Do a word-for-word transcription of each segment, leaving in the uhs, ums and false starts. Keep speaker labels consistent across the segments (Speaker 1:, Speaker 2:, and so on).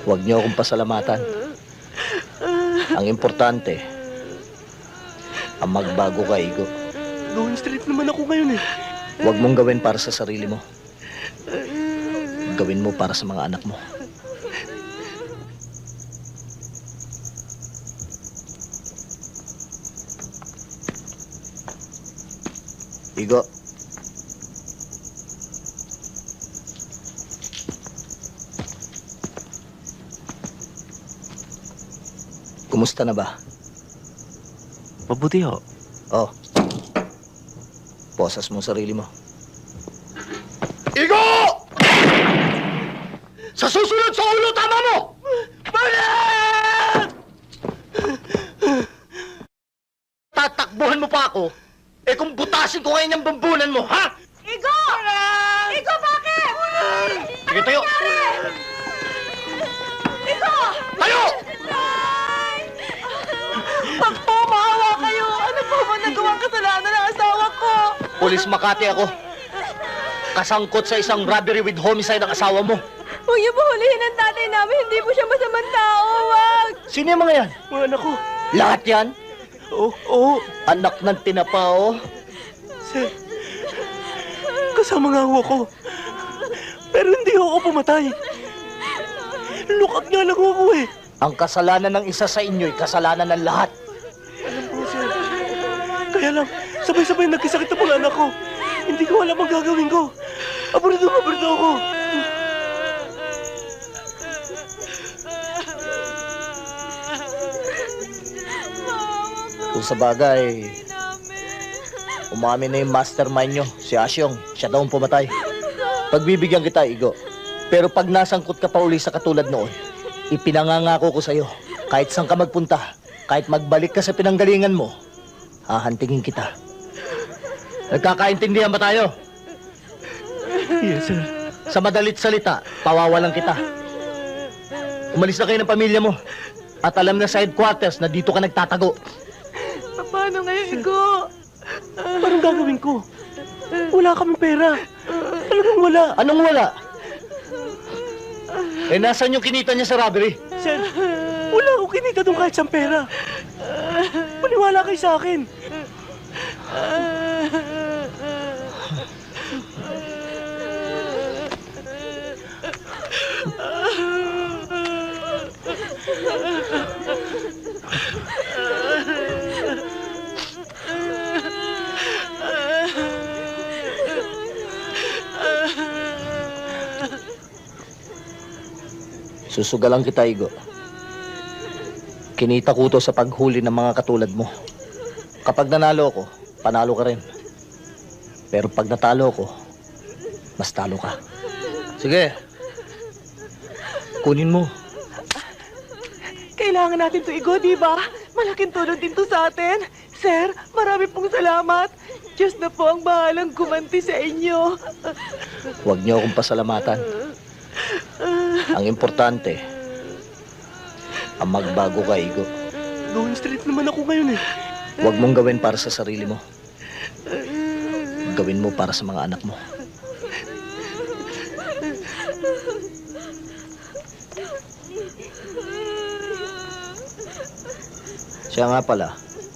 Speaker 1: Huwag niyo akong pasalamatan. Ang importante, ang magbago ka, Igo.
Speaker 2: Going straight naman ako ngayon eh.
Speaker 1: Huwag mong gawin para sa sarili mo. Gawin mo para sa mga anak mo. Igo. Kumusta na ba?
Speaker 2: Mabuti ho.
Speaker 1: Oh. Posas mo sarili mo.
Speaker 2: Igo! Sa susunod sa ulo, tama mo! Bakit? Tatakbuhan mo pa ako? Eh kung butasin ko ngayon yung bambunan mo, ha?
Speaker 3: Igo! Igo, bakit?
Speaker 2: Sige, tayo!
Speaker 3: Igo!
Speaker 2: Tayo!
Speaker 3: Pag po, maawa kayo. Ano po ba nagawang kasalanan ng asawa ko?
Speaker 1: Pulis Makati ako. Kasangkot sa isang robbery with homicide ang asawa mo.
Speaker 3: Huwag niyo po hulihin ang tatay namin. Hindi po siya masamang tao. Wag!
Speaker 1: Sino yung mga yan?
Speaker 2: Mga anak ko.
Speaker 1: Lahat yan?
Speaker 2: Oo, oo.
Speaker 1: Anak ng tinapa, oh.
Speaker 2: Sir, kasama nga ho ako. Pero hindi ho ako pumatay. Lukat nga lang ho ako eh.
Speaker 1: Ang kasalanan ng isa sa inyo'y kasalanan ng lahat.
Speaker 2: Alam po, sir. Kaya lang, sabay-sabay nagkasakit ang mga anak ko. Hindi ko alam ang gagawin ko. Aborito, aborito ako.
Speaker 1: Kung sa bagay, umamin na yung mastermind nyo, si Asyong. Siya daw ang pumatay. Pagbibigyan kita, Igo. Pero pag nasangkot ka pa uli sa katulad noon, ipinangangako ko sa'yo, kahit saan ka magpunta, kahit magbalik ka sa pinanggalingan mo, hahantingin kita. Nagkakaintindihan ba tayo?
Speaker 2: Yes, sir.
Speaker 1: Sa madalit salita, pawawalan kita. Umalis na kayo ng pamilya mo. At alam na sa headquarters na dito ka nagtatago.
Speaker 3: Paano ngayon, Igo?
Speaker 2: Anong gagawin ko? Wala kaming pera. Talagang wala.
Speaker 1: Anong wala? Eh, nasan yung kinita niya sa robbery?
Speaker 2: Sir, wala akong kinita doon kahit saan pera. Maniwala kayo sa akin.
Speaker 1: Susugalan kita, Igo. Kinita ko to sa paghuli ng mga katulad mo. Kapag nanalo ko, panalo ka rin. Pero pag natalo ko, mas talo ka. Sige. Kunin mo.
Speaker 3: Kailangan natin to, Igo, di ba? Malaking tulong din to sa atin. Sir, marami pong salamat. Diyos na po ang bahalang gumanti sa inyo.
Speaker 1: Huwag niyo akong pasalamatan. Ang importante, ang magbago ka, Igo.
Speaker 2: Going straight naman ako ngayon eh.
Speaker 1: Huwag mong gawin para sa sarili mo. Gawin mo para sa mga anak mo. Siya nga pala.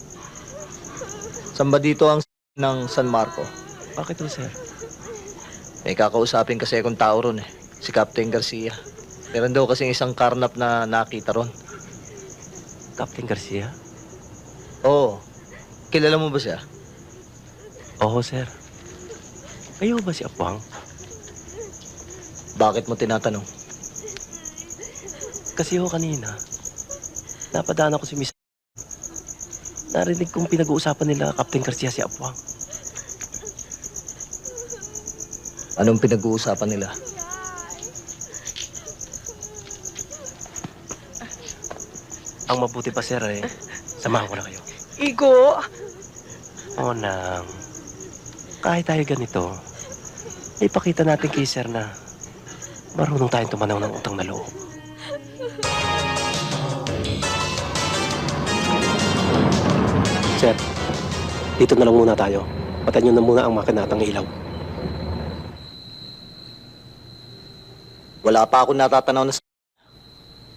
Speaker 1: Saan ba dito ang ng San Marco?
Speaker 2: Bakit to, sir?
Speaker 1: May kakausapin kasi akong tao ron eh. Si Captain Garcia. Meron daw kasing isang karnap na nakita ron.
Speaker 2: Captain Garcia?
Speaker 1: Oo. Kilala mo ba siya?
Speaker 2: Oo, sir. Kayo ba si Apwang?
Speaker 1: Bakit mo tinatanong?
Speaker 2: Kasi ho kanina, napadaan ako si Miss. Narinig kong pinag-uusapan nila Captain Garcia si Apwang.
Speaker 1: Anong pinag-uusapan nila?
Speaker 2: Ang mabuti pa, sir, eh, samahan ko na kayo.
Speaker 3: Igo!
Speaker 2: O, nang, kahit tayo ganito, ipakita natin kay sir na marunong tayong tumanaw ng utang na loob. Sir, dito na lang muna tayo. Patayin nyo na muna ang makinatang ilaw.
Speaker 1: Wala pa ako natatanaw na s-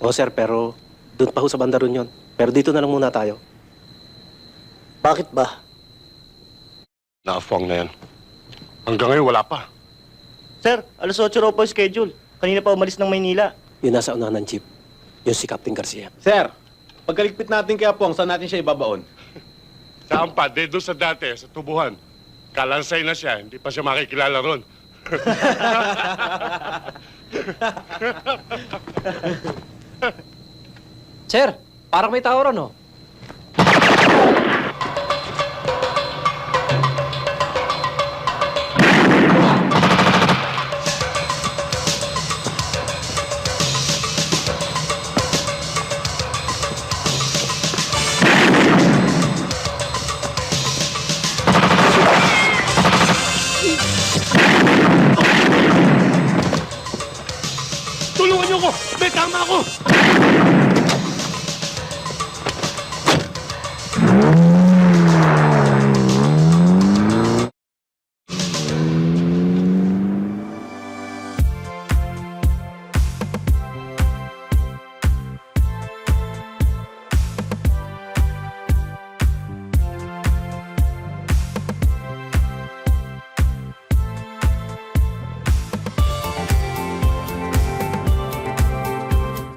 Speaker 2: Oo, sir, pero doon pa ho sa banda ron yun. Pero dito na lang muna tayo.
Speaker 1: Bakit ba?
Speaker 4: Naafuang na yan. Hanggang ngayon, wala pa.
Speaker 5: Sir, alas otso raw po yung schedule. Kanina pa umalis ng Maynila.
Speaker 2: Yung nasa unahan ng jeep, yung si Captain Garcia.
Speaker 6: Sir, pagkaligpit natin kay Apong, saan natin siya ibabaon?
Speaker 4: Saan pa? De, doon sa dati, sa tubuhan. Kalansay na siya, hindi pa siya makikilala ron.
Speaker 7: Sir, parang may tao ron, oh.
Speaker 4: Tulungan niyo ko! May tama ako!